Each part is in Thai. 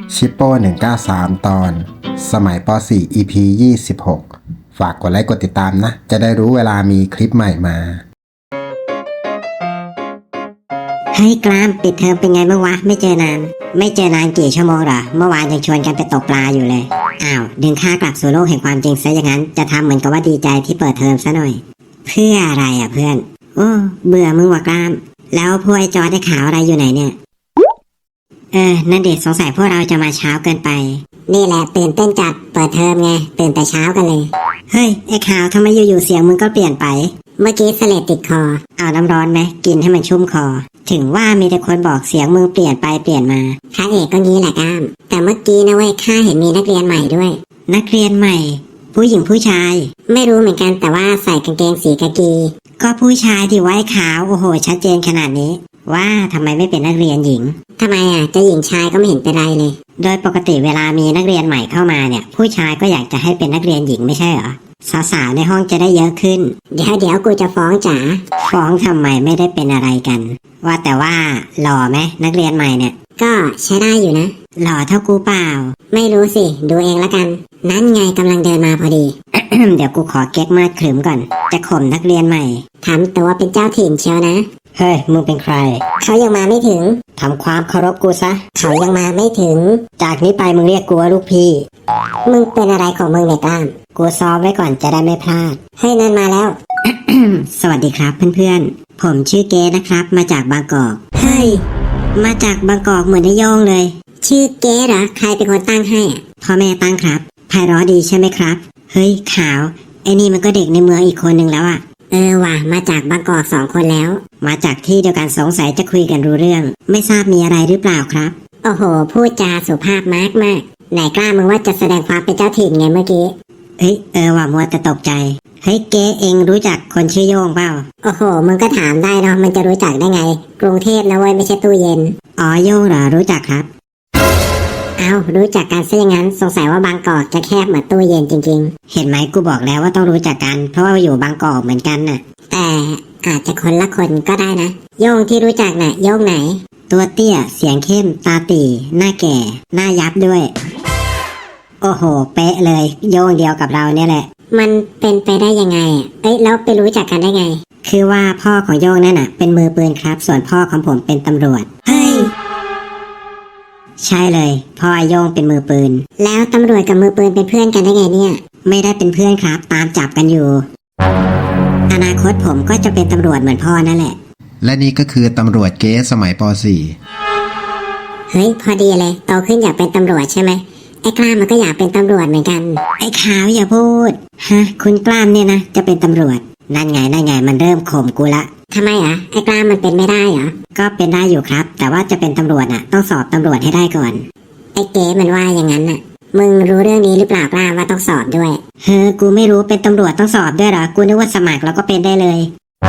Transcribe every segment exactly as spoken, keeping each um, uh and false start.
ชิปโป้หนึ่งเก้าสามตอนสมัยป .สี่ อี พี ยี่สิบหกฝากกดไลค์กดติดตามนะจะได้รู้เวลามีคลิปใหม่มาเฮ้ยกล้ามปิดเทอมเป็นไงบ้างวะไม่เจอนานไม่เจอนานกี่ชั่วโมงหรอเมื่อวานยังชวนกันไปตกปลาอยู่เลยอ้าวดึงข้ากลับสู่โลกแห่งความจริงซะอย่างนั้นจะทำเหมือนกับว่าดีใจที่เปิดเทอมซะหน่อยเพื่ออะไรอ่ะเพื่อนโอ้เบื่อมึงว่ะกล้ามแล้วพวกไอ้จอร์จไอ้ขาวอะไรอยู่ไหนเนี่ยเออนั่นเด็กสงสัยพวกเราจะมาเช้าเกินไปนี่แหละตื่นเต้นจัดเปิดเทอมไงตื่นแต่เช้ากันเลยเฮ้ยไอ้ขาวทำไมอยู่ๆเสียงมึงก็เปลี่ยนไปเมื่อกี้เสลดติดคอเอาน้ำร้อนไหมกินให้มันชุ่มคอถึงว่ามีแต่คนบอกเสียงมึงเปลี่ยนไปเปลี่ยนมาพระเอกก็งี้แหละก้ามแต่เมื่อกี้นะเว้ยข้าเห็นมีนักเรียนใหม่ด้วยนักเรียนใหม่ผู้หญิงผู้ชายไม่รู้เหมือนกันแต่ว่าใส่กางเกงสีกากีก็ผู้ชายที่ไว้ขาวโอ้โหชัดเจนขนาดนี้ว่าทำไมไม่เป็นนักเรียนหญิงทำไมอ่ะจะหญิงชายก็ไม่เห็นเป็นไรเลยโดยปกติเวลามีนักเรียนใหม่เข้ามาเนี่ยผู้ชายก็อยากจะให้เป็นนักเรียนหญิงไม่ใช่เหรอสาวๆในห้องจะได้เยอะขึ้นเดี๋ยวเดี๋ยวกูจะฟ้องจ๋าฟ้องทำไมไม่ได้เป็นอะไรกันว่าแต่ว่าหล่อไหมนักเรียนใหม่เนี่ยก็ใช้ได้อยู่นะหล่อเท่ากูเปล่าไม่รู้สิดูเองละกันนั่นไงกำลังเดินมาพอดี เดี๋ยวกูขอเก๊กมาดขรึมก่อนจะข่มนักเรียนใหม่ทำตัวเป็นเจ้าถิ่นเชียวนะเฮ้ยมึงเป็นใครเขายังมาไม่ถึงทำความเคารพกูซะเขายังมาไม่ถึงจากนี้ไปมึงเรียกกูว่าลูกพี่มึงเป็นอะไรของมึงเนี่ยก้ามกูซ้อมไว้ก่อนจะได้ไม่พลาดเฮ้ยนั่นมาแล้ว สวัสดีครับเพื่อนๆผมชื่อเกนะครับมาจากบางกอกเฮ้ยมาจากบางกอกเหมือนนายโยงเลยชื่อเกเหรอใครเป็นคนตั้งให้พ่อแม่ตั้งครับไพเราะดีใช่ไหมครับเฮ้ยขาวไอ้นี่มันก็เด็กในเมืองอีกคนนึงแล้วอะเออว่ะมาจากบางกอกสองคนแล้วมาจากที่เดียวกันสงสัยจะคุยกันรู้เรื่องไม่ทราบมีอะไรหรือเปล่าครับโอ้โหพูดจาสุภาพมากมากไหนกล้ามึงว่าจะแสดงความเป็นเจ้าถิ่นไงเมื่อกี้เฮ้ยเออว่ะมัวแต่ตกใจเฮ้ยเก๋เองรู้จักคนชื่อโย่งเปล่าโอ้โหมึงก็ถามได้เนาะมันจะรู้จักได้ไงกรุงเทพนะเว้ยไม่ใช่ตู้เย็นอ๋อโย่งเหรอรู้จักครับเอารู้จักกันซะอย่างนั้นสงสัยว่าบางกอกจะแคบเหมือนตู้เย็นจริงๆเห็นไหมกูบอกแล้วว่าต้องรู้จักกันเพราะว่าอยู่บางกอกเหมือนกันน่ะแต่อาจจะคนละคนก็ได้นะโย่งที่รู้จักน่ะโย่งไหนตัวเตี้ยเสียงเข้มตาตีหน้าแก่หน้ายับด้วยโอ้โหเป๊ะเลยโย่งเดียวกับเราเนี่ยแหละมันเป็นไปได้ยังไงเอ้ยแล้วไปรู้จักกันได้ไงคือว่าพ่อของโย่งนั่นน่ะเป็นมือปืนครับส่วนพ่อของผมเป็นตำรวจเฮ้ยใช่เลยพ่อโย่งเป็นมือปืนแล้วตำรวจกับมือปืนเป็นเพื่อนกันได้ไงเนี่ยไม่ได้เป็นเพื่อนครับตามจับกันอยู่อนาคตผมก็จะเป็นตำรวจเหมือนพ่อนั่นแหละและนี่ก็คือตำรวจเก๊สมัยป .สี่เฮ้ยพอดีเลยโตขึ้นอยากเป็นตำรวจใช่ไหมไอ้กล้ามมันก็อยากเป็นตำรวจเหมือนกันไอ้ขาวอย่าพูดฮะคุณกล้ามเนี่ยนะจะเป็นตำรวจนั่นไงนั่นไงมันเริ่มข่มกูละทำไมอ่ะไอ้กล้ามมันเป็นไม่ได้เหรอก็เป็นได้อยู่ครับแต่ว่าจะเป็นตำรวจน่ะต้องสอบตำรวจให้ได้ก่อนไอ้เก๋มันว่าอย่างนั้นน่ะมึงรู้เรื่องนี้หรือเปล่ากล้ามว่าต้องสอบด้วยเฮ้อกูไม่รู้เป็นตำรวจต้องสอบด้วยเหรอกูนึกว่าสมัครแล้วก็เป็นได้เลย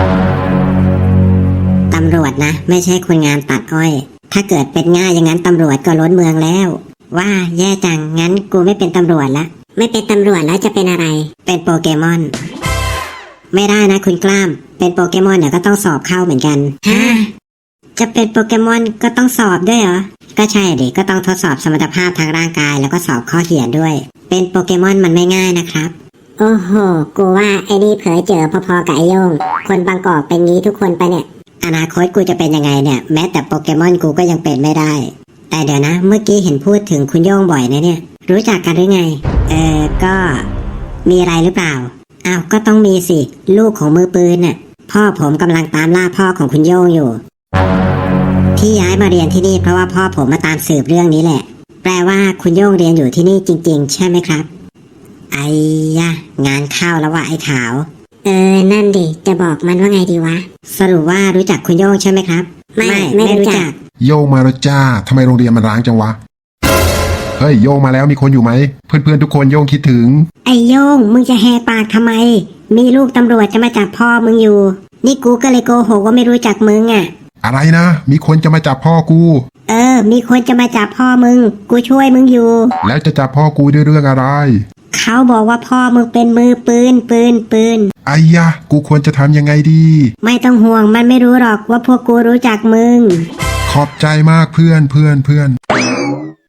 ตำรวจนะไม่ใช่คนงานตัดอ้อยถ้าเกิดเป็นง่ายอย่างนั้นตำรวจก็ล้นเมืองแล้วว่าแย่จังงั้นกูไม่เป็นตำรวจละไม่เป็นตำรวจแล้วจะเป็นอะไรเป็นโปเกมอนไม่ได้นะคุณกล้ามเป็นโปเกมอนเนี่ยก็ต้องสอบเข้าเหมือนกันฮะจะเป็นโปเกมอนก็ต้องสอบด้วยเหรอก็ใช่ดิก็ต้องทดสอบสมรรถภาพทางร่างกายแล้วก็สอบข้อเขียนด้วยเป็นโปเกมอนมันไม่ง่ายนะครับโอ้โหกูว่าไอ้นี่เผยเจอพอๆกับไอ้โยงคนบางกอกเป็นงี้ทุกคนไปเนี่ยอนาคตกูจะเป็นยังไงเนี่ยแม้แต่โปเกมอนกูก็ยังเป็นไม่ได้แต่เดี๋ยวนะเมื่อกี้เห็นพูดถึงคุณโย่งบ่อยนะเนี่ยรู้จักกันหรือไงเออก็มีอะไรหรือเปล่าอ้าวก็ต้องมีสิลูกของมือปืนน่ะพ่อผมกำลังตามล่าพ่อของคุณโย่งอยู่ที่ย้ายมาเรียนที่นี่เพราะว่าพ่อผมมาตามสืบเรื่องนี้แหละแปลว่าคุณโย่งเรียนอยู่ที่นี่จริงๆใช่ไหมครับไอ้ยะงานเข้าแล้วว่ะไอ้ขาวเออนั่นดิจะบอกมันว่าไงดีวะสรุปว่ารู้จักคุณโย่งใช่ไหมครับไม่ไม่รู้จักโย่งมาแล้วจ้าทำไมโรงเรียนมันร้างจังวะเฮ้ยโย่งมาแล้วมีคนอยู่ไหมเพื่อนๆทุกคนโย่งคิดถึงไอ้โย่งมึงจะแหกปากทำไมมีลูกตำรวจจะมาจับพ่อมึงอยู่นี่กูก็เลยโกหกว่าไม่รู้จักมึงอ่ะอะไรนะมีคนจะมาจับพ่อกูเออมีคนจะมาจับพ่อมึงกูช่วยมึงอยู่แล้วจะจับพ่อกูด้วยเรื่องอะไรเขาบอกว่าพ่อมึงเป็นมือปืนปืนปืนไอ้ยะกูควรจะทำยังไงดีไม่ต้องห่วงมันไม่รู้หรอกว่าพวกกูรู้จักมึงขอบใจมากเพื่อนเพื่อนเพื่อน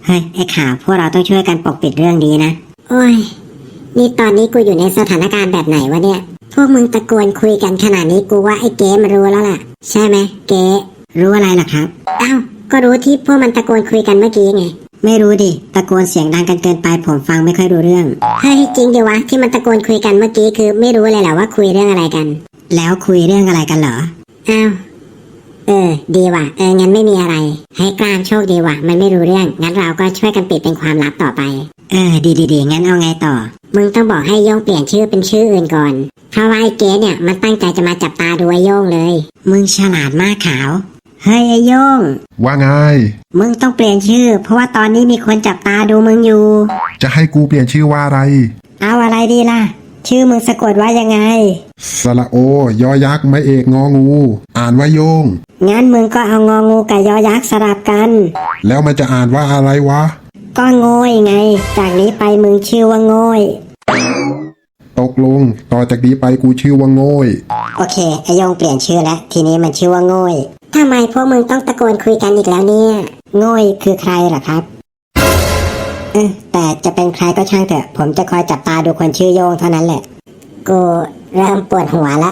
เฮ้ยไอ้ข่าวพวกเราต้องช่วยกันปกปิดเรื่องนี้นะโอ้ยนี่ตอนนี้กูอยู่ในสถานการณ์แบบไหนวะเนี่ยพวกมึงตะโกนคุยกันขนาดนี้กูว่าไอ้เก๋มันรู้แล้วล่ะใช่ไหมเก๋รู้อะไรล่ะครับอ้าวก็รู้ที่พวกมันตะโกนคุยกันเมื่อกี้ไงไม่รู้ดิตะโกนเสียงดังกันเกินไปผมฟังไม่ค่อยรู้เรื่องเฮ้ยจริงดิวะที่มันตะโกนคุยกันเมื่อกี้คือไม่รู้เลยแหละว่าคุยเรื่องอะไรกันแล้วคุยเรื่องอะไรกันเหรออ้าวเออดีว่ะเอองั้นไม่มีอะไรให้กลางโชคดีว่ะมันไม่รู้เรื่องงั้นเราก็ช่วยกันปิดเป็นความลับต่อไปเออดีดีดีงั้นเอาไงต่อมึงต้องบอกให้โย่งเปลี่ยนชื่อเป็นชื่ออื่นก่อนเพราะว่าไอ้เก๋เนี่ยมันตั้งใจจะมาจับตาดูไอ้โย่งเลยมึงฉลาดมากขาวเฮ้ยไอ้โย่งว่าไงมึงต้องเปลี่ยนชื่อเพราะว่าตอนนี้มีคนจับตาดูมึงอยู่จะให้กูเปลี่ยนชื่อว่าอะไรเอาอะไรดีล่ะชื่อมึงสะกดว่ายังไงสระโอยอยักษ์ไม่เอกงองู อ่านว่าโยงงั้นมึงก็เอางองูกับยอยักษ์สลับกันแล้วมันจะอ่านว่าอะไรวะก็โง่ยไงจากนี้ไปมึงชื่อว่าโง่ยตกลงต่อจากนี้ไปกูชื่อว่าโง่ยโอเคไอโยงเปลี่ยนชื่อแล้วทีนี้มันชื่อว่าโง่ยทำไมพวกมึงต้องตะโกนคุยกันอีกแล้วเนี่ยโง่ยคือใครล่ะครับเออแต่จะเป็นใครก็ช่างเถอะผมจะคอยจับตาดูคนชื่อโยงเท่านั้นแหละกูเริ่มปวดหัวละ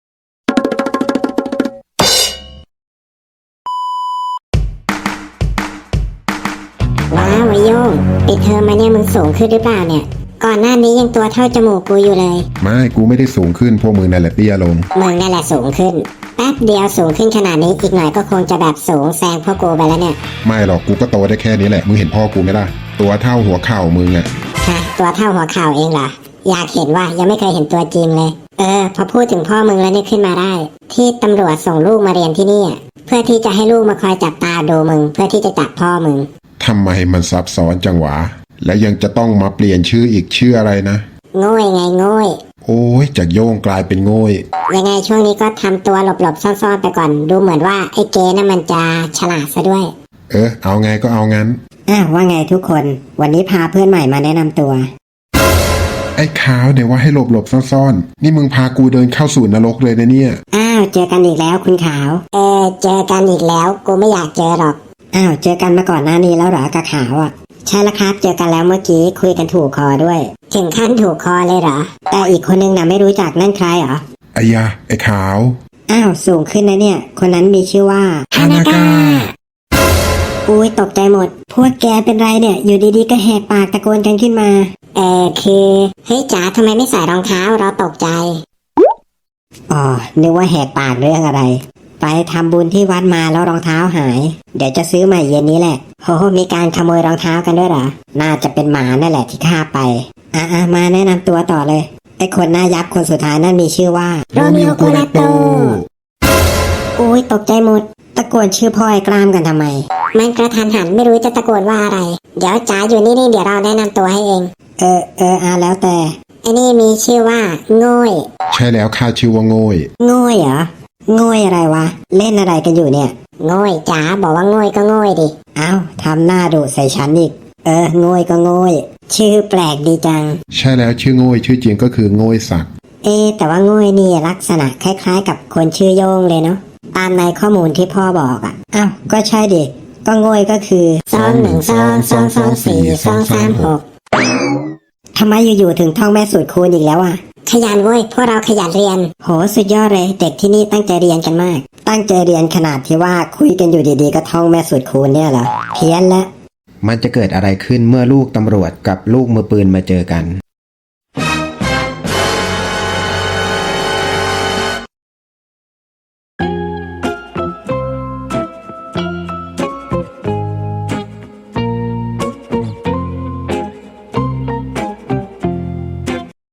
ว้าวไอโยงปิดเทอมมาเนี่ยมึงสูงขึ้นหรือเปล่าเนี่ยก่อนหน้านี้ยังตัวเท่าจมูกกูอยู่เลยไม่กูไม่ได้สูงขึ้นพวกมึงนั่นแหละเตี้ยลงมึงนั่นแหละสูงขึ้นแป๊บเดียวสูงขึ้นขนาดนี้อีกหน่อยก็คงจะแบบสูงแซงพวกกูไปแล้วเนี่ยไม่หรอกกูก็โตได้แค่นี้แหละมึงเห็นพ่อกูไหมล่ะตัวเท่าหัวเข่ามึงอะฮะตัวเท่าหัวเข่าเองเหรออยากเห็นว่ายังไม่เคยเห็นตัวจริงเลย เออพอพูดถึงพ่อมึงแล้วเนี่ยขึ้นมาได้ ที่ตำรวจส่งลูกมาเรียนที่นี่เพื่อที่จะให้ลูกมาคอยจับตาดูมึงเพื่อที่จะจับพ่อมึงทำไมมันซับซ้อนจังหวะแล้วยังจะต้องมาเปลี่ยนชื่ออีกชื่ออะไรนะโง่ยไงโง่ยโอ้ยจากโย่งกลายเป็นโง่ยยังไงช่วงนี้ก็ทำตัวหลบๆซ่อนๆไปก่อนดูเหมือนว่าไอ้เกน่ะมันจะฉลาดซะด้วยเออเอาไงก็เอางั้นอ้าวว่าไงทุกคนวันนี้พาเพื่อนใหม่มาแนะนำตัวไอ้ขาวเดี๋ยวว่าให้หลบหลบๆซ่อนๆนี่มึงพากูเดินเข้าสู่นรกเลยนะเนี่ยอ้าวเจอกันอีกแล้วคุณขาว เออเจอกันอีกแล้วกูไม่อยากเจอหรอกอ้าวเจอกันมาก่อนหน้านี้แล้วเหรอกะขาวอ่ะใช่แล้วครับเจอกันแล้วเมื่อกี้คุยกันถูกคอด้วย ถึงขั้นถูกคอเลยเหรอแต่อีกคนนึงน่ะไม่รู้จักนั่นใครเหรอไอ้ยาไอ้ขาวอ้าวสูงขึ้นนะเนี่ยคนนั้นมีชื่อว่าฮานากะอุ้ยตกใจหมด พวกแกเป็นไรเนี่ยอยู่ดีๆก็แหกปากตะโกนกันขึ้นมาเออคือเฮ้ยจ๋าทำไมไม่ใส่รองเท้าเราตกใจอ๋อนึกว่าแหกปากเรื่องอะไรไปทำบุญที่วัดมาแล้วรองเท้าหายเดี๋ยวจะซื้อใหม่เย็นนี้แหละโหมีการขโมยรองเท้ากันด้วยเหรอน่าจะเป็นหมานั่นแหละที่ฆ่าไปอ่ะๆมาแนะนำตัวต่อเลยไอ้คนหน้ายับคนสุดท้ายนั่นมีชื่อว่าโรมิโอโกลาโตอุ้ยตกใจหมดตะโกนชื่อพ่อไอ้กล้ามกันทำไมมันกระทันหันไม่รู้จะตะโกนว่าอะไรเดี๋ยวจ๋าอยู่นี่นี่เดี๋ยวเราแนะนำตัวให้เองเออเอออ่ะแล้วแต่ไอ้นี่มีชื่อว่าโง่ยใช่แล้วข้าชื่อว่าโง่ยโง่ยเหรอโง่ยอะไรวะเล่นอะไรกันอยู่เนี่ยโง่ยจ๋าบอกว่าโง่ยก็โง่ยดิเอ้าทำหน้าดุใส่ฉันอีกเออโง่ยก็โง่ยชื่อแปลกดีจังใช่แล้วชื่อโง่ยชื่อจริงก็คือโง่ยศักดิ์เอ๊ะแต่ว่าโง่ยนี่ลักษณะคล้ายๆ กับคนชื่อโยงเลยเนาะตามในข้อมูลที่พ่อบอกอ่ะอ้าวก็ใช่ดิก็โง่ยก็คือสองหนึ่งสองสองสองสี่สองสามหกทำไมอยู่ๆถึงท่องแม่สูตรคูณอีกแล้วอ่ะขยันเว้ยพวกเราขยันเรียนโหสุดยอดเลยเด็กที่นี่ตั้งใจเรียนกันมากตั้งใจเรียนขนาดที่ว่าคุยกันอยู่ดีๆก็ท่องแม่สูตรคูณเนี่ยเหรอเพี้ยนละมันจะเกิดอะไรขึ้นเมื่อลูกตำรวจกับลูกมือปืนมาเจอกัน